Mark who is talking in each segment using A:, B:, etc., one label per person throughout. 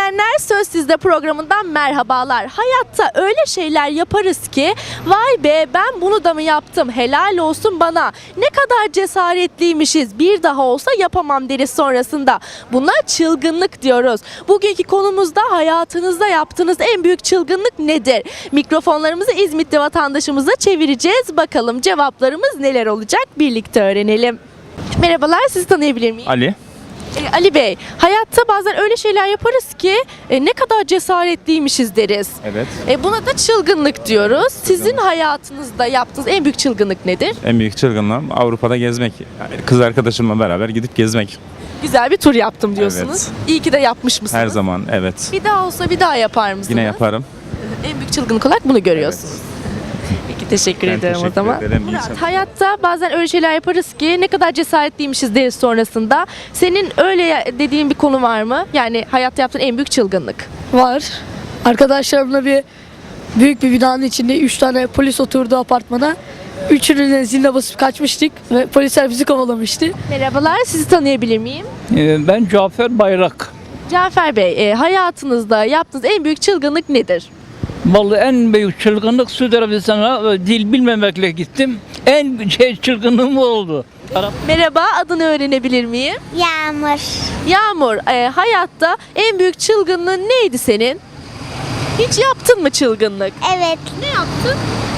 A: izleyenler, Söz Sizde programından merhabalar. Hayatta öyle şeyler yaparız ki vay be, ben bunu da mı yaptım, helal olsun bana, ne kadar cesaretliymişiz, bir daha olsa yapamam deriz sonrasında. Buna çılgınlık diyoruz. Bugünkü konumuzda hayatınızda yaptığınız en büyük çılgınlık nedir? Mikrofonlarımızı İzmitli vatandaşımıza çevireceğiz. Bakalım cevaplarımız neler olacak, birlikte öğrenelim. Merhabalar, sizi tanıyabilir miyim?
B: Ali.
A: Ali Bey, hayatta bazen öyle şeyler yaparız ki ne kadar cesaretliymişiz deriz.
B: Evet.
A: Buna da çılgınlık diyoruz. Sizin hayatınızda yaptığınız en büyük çılgınlık nedir?
B: En büyük çılgınlığım Avrupa'da gezmek. Yani kız arkadaşımla beraber gidip gezmek.
A: Güzel bir tur yaptım diyorsunuz.
B: Evet.
A: İyi ki de yapmış mısınız?
B: Her zaman, evet.
A: Bir daha olsa bir daha yapar mısınız?
B: Yine yaparım.
A: En büyük çılgınlık olarak bunu görüyorsunuz. Peki, teşekkür
B: Ben
A: ederim
B: teşekkür
A: o zaman.
B: ederim. İyi
A: Murat,
B: çalışmalar.
A: hayatta bazen öyle şeyler yaparız ki ne kadar cesaretliymişiz deriz sonrasında. Senin öyle dediğin bir konu var mı? Yani hayatta yaptığın en büyük çılgınlık.
C: Var. Arkadaşlarımla büyük bir binanın içinde 3 tane polis oturdu apartmana. Üçünün de ziline basıp kaçmıştık ve polisler bizi kovalamıştı.
A: Merhabalar, sizi tanıyabilir miyim?
D: Ben Cafer Bayrak.
A: Cafer Bey, hayatınızda yaptığınız en büyük çılgınlık nedir?
D: Vallahi en büyük çılgınlık Suudi Arabistan'a dil bilmemekle gittim. En çılgınlığım o oldu.
A: Merhaba, adını öğrenebilir miyim?
E: Yağmur.
A: Yağmur, hayatta en büyük çılgınlığın neydi senin? Hiç yaptın mı çılgınlık?
E: Evet.
A: Ne yaptın?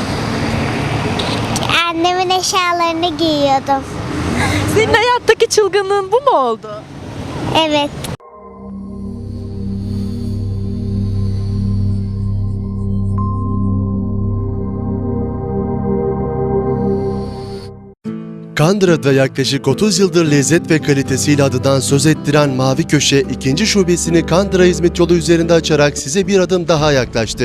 E: Annemin eşyalarını giyiyordum.
A: Senin hayattaki çılgınlığın bu mu oldu?
E: Evet.
F: Kandıra'da yaklaşık 30 yıldır lezzet ve kalitesiyle adından söz ettiren Mavi Köşe, ikinci şubesini Kandıra-İzmit yolu üzerinde açarak size bir adım daha yaklaştı.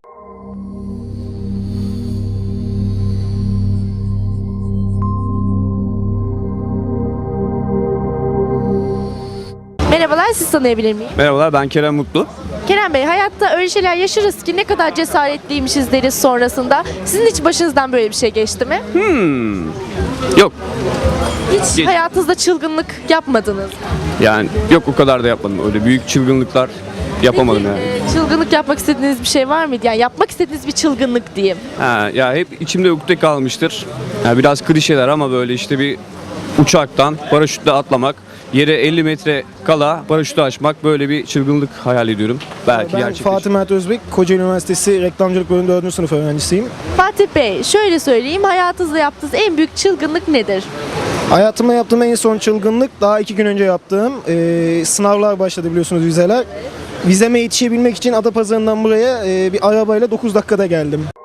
A: Merhabalar, sizi tanıyabilir miyim?
G: Merhabalar, ben Kerem Mutlu.
A: Kerem Bey, hayatta öyle şeyler yaşarız ki ne kadar cesaretliymişiz deriz sonrasında. Sizin hiç başınızdan böyle bir şey geçti mi?
G: Yok,
A: Hiç
G: Geç.
A: hayatınızda çılgınlık yapmadınız.
G: yani yok, o kadar da yapmadım. Öyle büyük çılgınlıklar yapamadım
A: Peki,
G: yani.
A: çılgınlık yapmak istediğiniz bir şey var mıydı? Yani yapmak istediğiniz bir çılgınlık diyeyim.
G: Ya hep içimde ukde kalmıştır. Ya biraz klişeler ama böyle işte bir uçaktan paraşütle atlamak, yere 50 metre kala paraşütü açmak, böyle bir çılgınlık hayal ediyorum. Belki
H: Ben
G: gerçekleşir.
H: Fatih Mert Özbek, Kocaeli Üniversitesi Reklamcılık Bölümü 4. sınıf öğrencisiyim.
A: Fatih Bey, şöyle söyleyeyim, hayatınızda yaptığınız en büyük çılgınlık nedir?
H: Hayatımda yaptığım en son çılgınlık daha 2 gün önce yaptığım sınavlar başladı, biliyorsunuz, vizeler. Vizeme yetişebilmek için Adapazarı'ndan buraya bir arabayla 9 dakikada geldim.